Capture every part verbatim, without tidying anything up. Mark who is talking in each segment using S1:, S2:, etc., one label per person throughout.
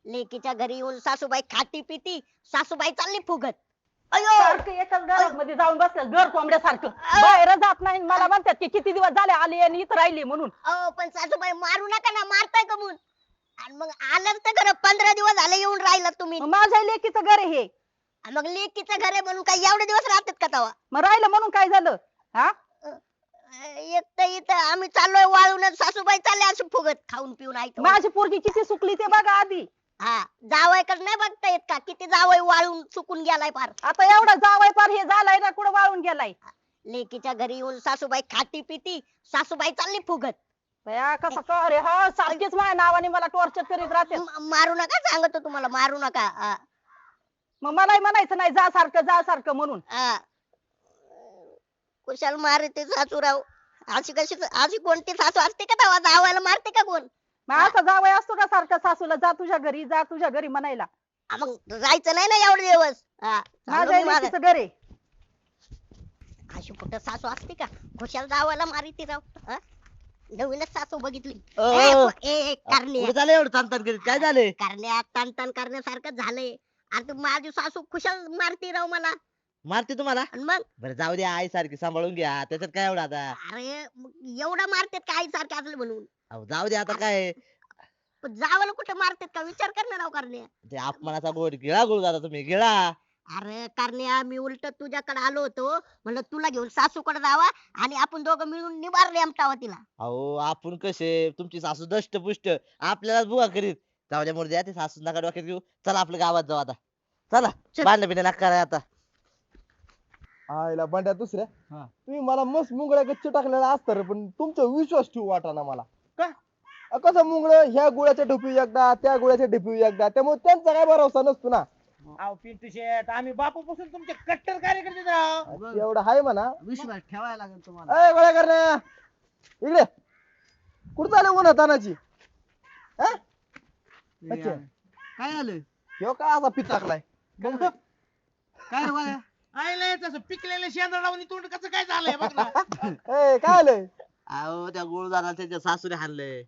S1: लेकीच्या घरी येऊन सासूबाई खाती पिती, सासूबाई चालली फुगत.
S2: सारखं एकाच घरामध्ये जाऊन बसलं घर कोंबड्यासारखं, बाहेर जात नाही. मला म्हणतात की किती दिवस झाले आली आणि इथं राहिली म्हणून.
S1: अहो पण सासूबाई मारू नका ना, मारताय का म्हणून. आणि मग आलं तर खरं पंधरा दिवस झाले येऊन राहिला तुम्ही.
S2: मग माझ्या लेकीचं घर आहे हे.
S1: आणि मग लेकीचं घर आहे म्हणून काय एवढे दिवस राहतात का तवा?
S2: मग राहिलं म्हणून काय झालं? हा
S1: एक तर इथं आम्ही चाललोय वाळून, सासूबाई चालले असे फुगत खाऊन पिऊन ऐकतो.
S2: माझी पोरगी किती सुकली ते बघा आधी.
S1: हा जावायकडे नाही बघता येत का किती जावई वाळून चुकून गेलाय फार.
S2: आता एवढा जावाय पार हे झालाय ना, कुठं वाळून गेलाय.
S1: लेकीच्या घरी येऊन सासूबाई खाती पिती, सासूबाई चालली फुगत.
S2: बया, कसं का रे? हा सारखीच माझ्या नावाने मला टॉर्चर करीत राहते.
S1: म- मारू नका सांगतो तुम्हाला, मारू नका. हा,
S2: मग मलाही म्हणायचं नाही जा सारखं जा सारखं म्हणून.
S1: हा. कुशाल मारते सासूराव. अशी कशी अशी कोणती सासू असते का तेव्हा जावायला मारते का कोण?
S2: मग असा जावई असतो का सारखा सासूला जा तुझ्या घरी जा तुझ्या घरी म्हणायला?
S1: हा, मग जायचं नाही ना एवढे दिवस. हा, चाललो
S2: माझ्या
S1: मी मागं.
S2: लेकीचं घर आहे.
S1: अशी कुठं सासू असते का खुशाल जावायला मारिती राव. हा? नवीनच सासू बघितली.
S3: अ,
S1: ए,
S3: अ,
S1: ए, ए, कारण्या.
S3: कुठे झालं एवढं ताण करीत काय झालंय?
S1: कारण्या तान तान करण्यासारखं झालंय. अरे तू माझी सासू खुशाल मारती राव मला.
S3: मारते तुम्हाला?
S1: आणि मग
S3: बरं जाऊ द्या, आई सारखी सांभाळून घ्या, त्याच्यात काय एवढं आता.
S1: अरे मग एवढं मारतात का आई सारखे असले म्हणून?
S3: अहो जाऊ द्या आता काय.
S1: पण जावाला कुठे मारतात का विचार कर ना राव कारण्या.
S3: ते अपमानाचा गोड गिळा गुळ दादा तुम्ही गिळा.
S1: अरे कारण्या मी उलट तुझ्याकडे आलो होतो, म्हणलं तुला घेऊन सासूकडे जावा आणि आपण दोघं मिळून निवार रेमटावा तिला.
S3: अहो आपण कसे, तुमची सासू दष्ट पुष्ट आपल्यालाच बुवा करीत. जाऊ द्या मुळे द्या, ते सासू नका डोक्यात घेऊ. चला आपल्या गावात जाऊ आता. चला
S1: चल.
S3: बांधणं बिणं नका करा आता.
S4: आईला बंड्या दुसऱ्या
S3: हा.
S4: तुम्ही मला मस्त मुंगळ्या गच्च टाकलेला असतं रे, पण तुमचा विश्वास ठेवू वाटाना मला.
S3: का?
S4: अ, कसं मुंगळ ह्या गुळाच्या ढोपी एकदा त्या गुळाच्या ढोपी एकदा, त्यामुळे त्यांचा काय भरोसा नसतो ना.
S5: अहो पिंटू शेट, आम्ही बापूपासून तुमचे कट्टर कार्यकर्ते राव.
S4: एवढं आहे म्हणा.
S3: विश्वास ठेवायला लागेल तुम्हाला.
S4: अय गोळ्या करण्या इकडे कुठं चालू उन्हा तानाची? हा? अच्छा.
S3: काय झालं?
S4: ह्यो काय असा पित टाकलाय?
S3: काय रे बाळा?
S5: आईला तसं पिकलेलं शेंदर लावून तोंड कसं काय झालंय बघ ना.
S4: ए काय आलंय?
S3: अहो त्या गुळदाराला त्याच्या सासूने हाणलंय.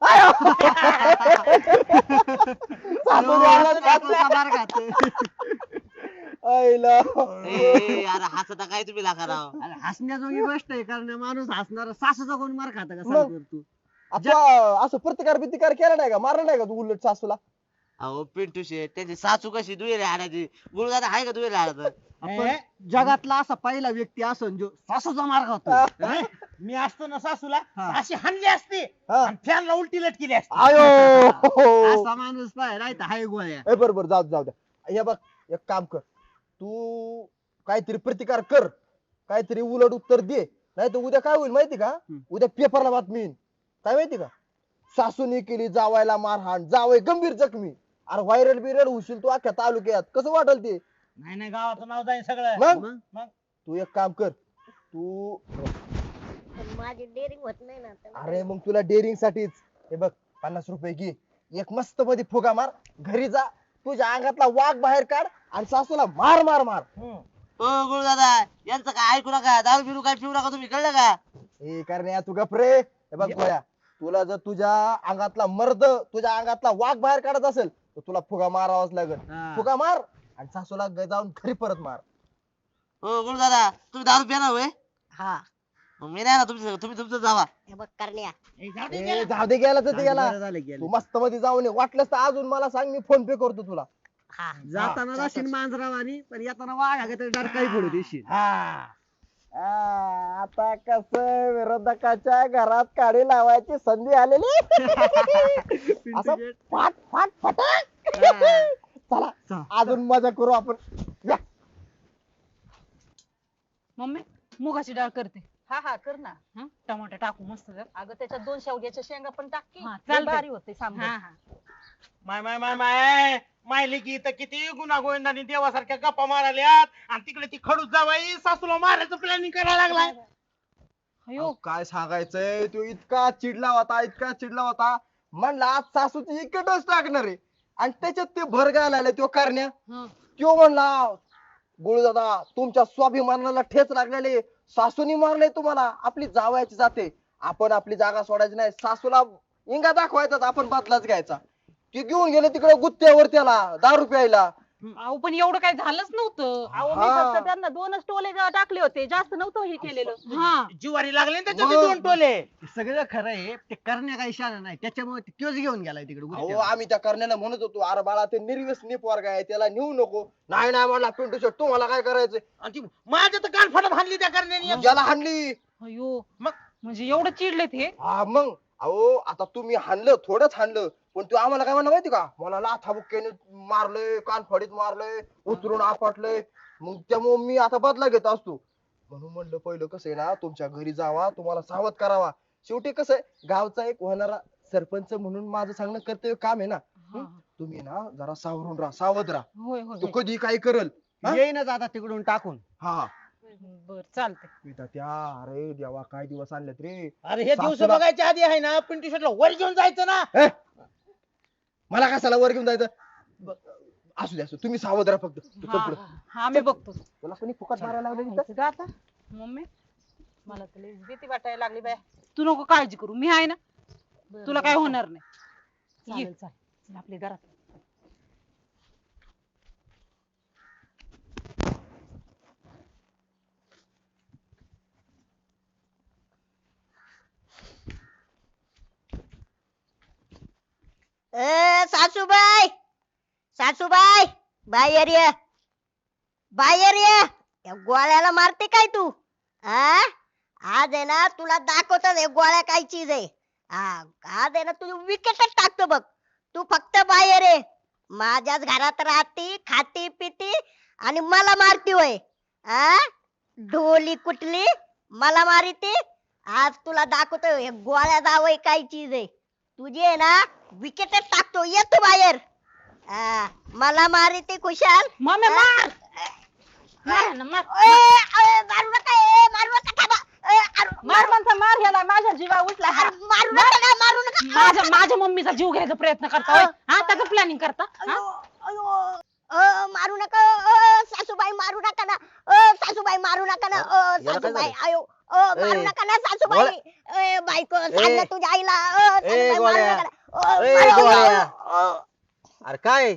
S4: सासूने हाणलं, सासूने- आईला
S3: ए, अरे हसता काय तुम्ही लागा राव?
S6: हसण्याजोगी गोष्ट आहे, कारण माणूस हसणार सासूचा कोण मार खाता का
S4: मग?
S6: सांग बरं तू.
S4: आता असं प्रतिकार प्रतिकार केला नाही का, मारला नाही का तू उलट सासूला?
S3: अहो पिंटू शेट, त्याची सासू कशी दुहेरी हाणायची? गुळदादा आहे का दुहेरी हाणायचं?
S6: आपण
S5: ए,
S6: जगातला असा पहिला व्यक्ती असन जो सासूचा मार खातो.
S5: ए, मी असतो ना सासूला
S6: हा.
S5: अशी हाणली असती
S4: हा.
S5: आणि फॅनला उलटी लटकेली असती.
S4: आयो
S6: असा माणूस पाय नाही तर हाय गोळ्या.
S4: ए बरोबर जाऊ दे, जाऊ द्या. हे बघ एक काम कर, तू काहीतरी प्रतिकार कर, काहीतरी उलट उत्तर दे, नाही तर उद्या काय होईल माहिती का?
S6: हम्म.
S4: उद्या पेपरला बातमी येईल. काय माहिती का? सासूने केली जावायला मारहाण, जावई गंभीर जखमी. अरे व्हायरल बिरल होशील तू अख्ख्या तालुक्यात, कसं वाटेल ते?
S5: नाही नाही गावाचं नाव जाईल सगळं.
S4: मग
S5: मग?
S4: तू एक काम कर, तू
S1: पण माझी डेअरिंग होत नाही ना आता.
S4: अरे मग तुला डेअरिंग साठीच हे बघ, पन्नास रुपये घे, एक मस्त मध्ये फुगा मार, घरी जा, तुझ्या अंगातला वाघ बाहेर काढ आणि सासूला मार मार मार.
S5: हम्म.
S3: ओ गुळदादा, यांचं काय ऐकू नका, दारू बिरू काय पिऊ नका तुम्ही, कळलं का?
S4: हे करण्या तू गप रे. हे बघ गोळ्या, तुला जर तुझ्या अंगातला मर्द, तुझ्या अंगातला वाघ बाहेर काढत असेल तर तुला फुगा मारावाच लागेल.
S6: हा.
S4: फुगा मार आणि सासूला ग- जाऊन घरी परत मार.
S3: ओ गुळदादा, तुम्ही दारू पिणार होय?
S1: हा
S3: मग मी नाही ना तुमच्या, तुम्ही तुमचं जावा.
S1: हे बघ करण्या,
S5: ए, जाऊ दे
S4: ए,
S5: गेला.
S4: जाऊ दे गेला तर ते गेला.
S6: बरं झालं गेलं.
S4: तू मस्त मध्ये जाऊन ये, वाटलंस तर अजून मला सांग, मी फोन पे करतो तुला.
S1: हा
S6: जाताना राशीन मांजरावानी पण येताना वाघ तरी डरकाई पडू देशील.
S4: हा. आ, आता कस विरोधकाच्या घरात काडी लावायची संधी आलेली. असं
S6: पिंटू शेट.
S4: फाट फाट फटाक.
S6: हा.
S4: चला
S6: चला.
S4: अजून मजा करू आपण. या.
S2: मम्मी मुगाची डाळ करते.
S7: हा हा कर ना.
S2: हं?
S7: टमाटर टाकू मस्त जर.
S2: अगं त्याच्यात दोन शेवग्याच्या शेंगा पण टाक की.
S7: हा,
S2: लय
S7: चालतंय.
S2: भारी होते सांबार.
S7: हा हा
S5: माय माय माय माय मायले की इथं किती गुन्हा गोविंदांनी देवासारख्या गप्पा माराल्यात आणि तिकडे ती खडूस जावाई सासूला मारायचं प्लॅनिंग करायला लागलाय.
S2: अयो
S4: अहो, काय सांगायचंय, तो इतका चिडला होता, इतका चिडला होता, म्हणला आज सासूची इकटच टाकणार आहे. आणि त्याच्यात ते भर घालायला तो करण्या,
S2: हं.
S4: तो म्हणला गुळदादा तुमच्या स्वाभिमानाला ठेच लागलेले, सासूनी मारले तुम्हाला, आपली जावयाची जाते, आपण आपली जागा सोडायची नाही, सासूला इंगा दाखवायचा, आपण बदलाच घ्यायचा. ते घेऊन गेले तिकडे गुत्त्यावर त्याला दारू प्यायला.
S7: अहो पण एवढं काही झालंच नव्हतं.
S2: अहो मी
S4: हा.
S2: फक्त त्यांना दोनच टोले टाकले होते, जास्त नव्हतं हे केलेलं.
S7: हा
S5: जिवारी लागले ना त्याच्यात ते
S4: मग.
S5: दोन टोले.
S6: हे सगळं खरं आहे ते करण्या काही इशारा नाही त्याच्यामुळे ते तोच घेऊन गेलाय तिकडे
S4: अहो
S6: गुत्त्यावर.
S4: आम्ही त्या करण्याला म्हणत होतो अरे बाळा ते निर्व्यसनी पोरगा आहे त्याला नेऊ नको. नाही नाही म्हणला पिंटू शेट तुम्हाला काय करायचंय.
S5: आणि ती माझ्या तर कान फाडत हाणली त्या करण्याने.
S4: ज्याला हाणली.
S7: अयो
S5: मग?
S7: म्हणजे एवढं चिडलेत हे.
S4: हा मग अहो आता तुम्ही हाणलं थोडंच हाणलं पण तू आम्हाला काय म्हणा माहिती का मला लाथाबुक्क्याने मारलंय कानफडीत मारलंय उतरून आपटलंय. मग त्यामुळे मी आता बदला घेत असतो म्हणून म्हणलं पहिलं कसं आहे ना तुमच्या घरी जावा तुम्हाला सावध करावा. शेवटी कसं आहे गावचा एक होणारा सरपंच म्हणून माझं सांगणं कर्तव्य काम आहे ना.
S7: हा.
S4: तुम्ही ना जरा सावरून राहा सावध राहा.
S7: होय होय
S4: तू कधी काय करल. हा?
S6: येईनच आता तिकडून टाकून.
S4: हा
S7: बर चालतंय.
S4: मी तर त्या अरे देवा काय दिवस आणलेत रे.
S5: अरे हे दिवस
S4: सासूला-
S5: बघायच्या आधी आहे ना पिंटू शेटला वर घेऊन जायचं ना.
S4: ए, मला कशाला वर घेऊन जायचं. ब- असू दे असू दे. तुम्ही सावध राहा फक्त तू चल
S7: हा
S4: पुढं.
S7: हा मी बघतो.
S4: तुला कोणी फुकट मारायला लावलं इथं?
S7: जायचं का आता मम्मी
S2: मला तर लईच भीती वाटायला लागली बाय.
S7: तू नको काळजी करू मी आहे ना. तुला काय होणार नाही. ये.
S2: चालेल चालेल चल आपल्या घरात.
S1: ए सासूबाई सासूबाई बाहेर ये बाहेर ये या गोळ्याला मारते काय तू आ आज आहे ना तुला दाखवतो हे गोळ्या काय चीज आहे. हा आज आहे ना तुझी विकेटच टाकतो बघ. तू फक्त बाहेर ये माझ्याच घरात राहती खाती पिती आणि मला मारती होय. आ ढोली कुठली मला मारिती. आज तुला दाखवतो हे गोळ्या जावय काय चीज आहे. तुझी आहे ना विकेटच टाकतो ये तू बाहेर. आ, मला मारिती खुशाल.
S7: मम्मी
S1: आ?
S7: मार मार ना, मार.
S1: ए, ए, मारू नका ए, मारू नका थांबा. ए, अरे,
S2: मार म्हणता मार ह्याला माझ्या जीवा उठला हा.
S1: अरे, मारू नका ना, मारू नका.
S7: माझ्या माझ्या मम्मीचा जीव घ्यायचा प्रयत्न करता होय? हा त्याचं प्लॅनिंग करता हा?
S1: अयो, अयो. अ, मारू नका अ, सासूबाई मारू नका ना. अ, सासूबाई मारू नका ना. अ,
S3: याला काय
S1: सासूबाई
S3: झालं?
S1: आयो अ, मारू
S3: ए,
S1: नका ना सासूबाई. ए, बायको सांग ना तुझ्या आईला. अ, सासूबाई मारू
S3: गोळ्या.
S1: नका ना. अ,
S3: ए,
S1: मारू-
S3: गोळ्या.
S1: अ,
S3: अरे काय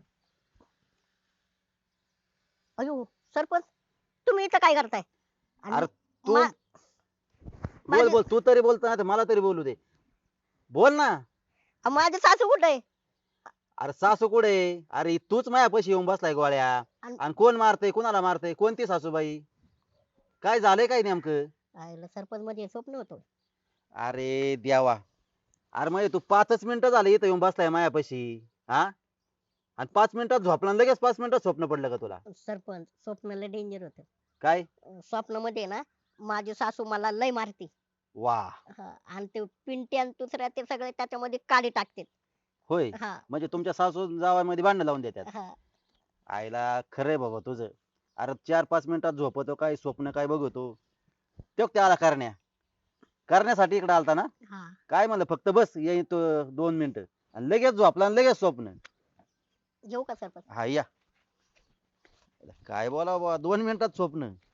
S1: अयो सरपंच तुम्ही इथं काय करताय. आणि
S3: अरे तू
S1: मा-
S3: बोल
S1: माझे-
S3: बोल तू तरी बोलतो ना मला तरी बोलू दे. बोल ना.
S1: माझे सासू कुठे आहे.
S3: अरे सासू कुठे अरे तूच मायापाशी येऊन बसलाय गोळ्या.
S1: आणि-
S3: आणि कोण मारतय कोणाला मारतय कोणती सासूबाई काय झालंय काय नेमकं.
S1: आईला सरपंच मध्ये स्वप्न होतं.
S3: अरे देवा अरे म्हणजे तू पाचच मिनिटं झाले इथं येऊन बसलाय मायापाशी. हा आणि पाच मिनिटात झोपला आणि लगेच पाच मिनिटात स्वप्न पडलं का तुला.
S1: सरपंच स्वप्नाला डेंजर होतं.
S3: काय
S1: स्वप्नामध्ये ना माझी सासू मला लय मारती.
S3: वा
S1: हा, आणि ते पिंटी आणि दुसऱ्या ते सगळे त्याच्यामध्ये काडी टाकते.
S3: होय
S1: हा
S3: म्हणजे तुमच्या सासू जावामध्ये भांडण लावून देतात.
S1: हा
S3: आईला खरंय बाबा तुझं. अरे चार पाच मिनिटात झोपतो काय स्वप्न काय बघतो. तो त्याला करण्या करण्यासाठी इकडे आलता ना.
S1: हा
S3: काय म्हणलं फक्त बस येईन तो दोन मिनिटं आणि लगेच झोपला आणि लगेच स्वप्न.
S1: येऊ का सरपंच.
S3: हा या काय बोला बाबा दोन मिनिटात स्वप्न.